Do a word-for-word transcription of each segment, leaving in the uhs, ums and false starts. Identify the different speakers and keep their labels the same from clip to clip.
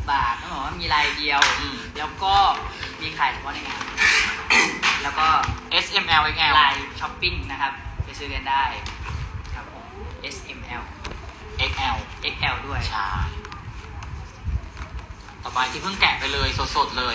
Speaker 1: บบาทต้องบอกว่ามีลายเดียว
Speaker 2: อืม
Speaker 1: แล้วก็มีขายเฉพาะในงาน แล้วก็
Speaker 2: เอส เอ็ม แอล เอ็กซ์ แอล
Speaker 1: ลายช้อปปิ้งนะครับไปซื้อกันได้ครับผม เอส เอ็ม แอล
Speaker 2: เอ็กซ์ แอล
Speaker 1: เอ็กซ์ แอล ด้วย
Speaker 2: ใช่ต่อไปที่เพิ่งแกะไปเลยสดๆเลย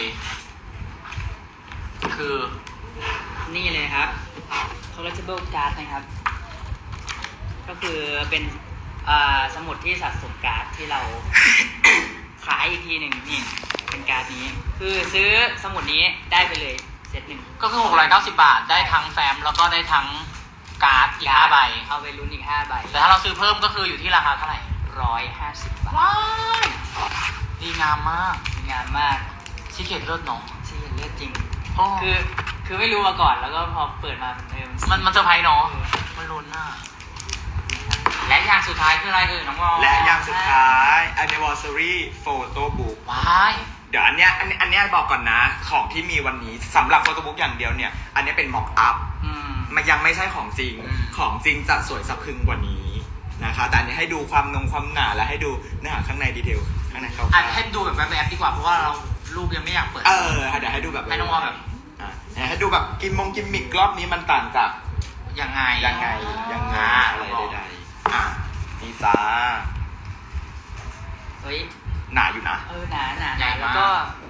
Speaker 2: คือ
Speaker 1: นี่เลยครับ collectible card นะครับ ก็คือเป็นอ่าสมุดที่สะสมการ์ดที่เรา ขายอีกทีหนึ่งนี่เป็นการ์ดนี้ คือซื้อสมุดนี้ได้ไปเลยเซตหนึ่ง
Speaker 2: ก็คือหกร้อยเก้าสิบบาทได้ทั้งแฟ้มแล้วก็ได้ทั้งการ์ดอีกห้าใบ
Speaker 1: เอาไปลุ้นอีกห้าใบ
Speaker 2: แต่ถ้าเราซื้อเพิ่มก็คืออยู่ที่ราคาเท่าไหร่
Speaker 1: ร้อยห้าสิบบาท
Speaker 2: ว้ายดีงามมาก
Speaker 1: สวยงามมาก
Speaker 2: ชิเกตเลิศเนาะ
Speaker 1: ที่เห็นเลือดจริง
Speaker 2: โอ้
Speaker 1: คือ คือไม่รู้มาก่อนแล้วก็พอเปิดมาเออ
Speaker 2: มันมันเซอร์ไพรส์เนาะมันลุ้นอ่ะและอย่างสุดท้ายคืออะไรเอ่ยน้องวอล
Speaker 3: และอย่างสุดท้าย anniversary photo book
Speaker 2: ว้าย
Speaker 3: เดี๋ยวอันเนี้ยอันอันเนี้ยบอกก่อนนะ ของที่มีวันนี้สำหรับ photo book อย่างเดียวเนี่ย อันเนี้ยเป็น mock up
Speaker 1: อืม
Speaker 3: มันยังไม่ใช่ของจริง ของจริงจะสวยสะพรึงกว่านี้นะคะ แต่อันนี้ให้ดูความนงความหนาและให้ดูเนื้อหาข้างในดีเทลข้างในเขา
Speaker 2: อ่ะให้ดูแบบแวบๆดีกว่าเพราะว่าเรารูปยังไม่อยากเปิด
Speaker 3: เออเดี๋ยวให้ดูแบบ
Speaker 2: ให้น้องวอลแบบ
Speaker 3: อ่ะเดี๋ยวให้ดูแบบกิมมงกิมมิกรอบนี้มันต่างจาก
Speaker 2: ยังไง
Speaker 3: ยังไงยังไง
Speaker 2: อ่า
Speaker 3: อะไรใดๆอ่ะนี่จ้า
Speaker 1: เฮ้ย
Speaker 3: หนาอยู่นะ
Speaker 1: เออหนาหนา
Speaker 2: ใหญ่มาก
Speaker 1: แล้วก็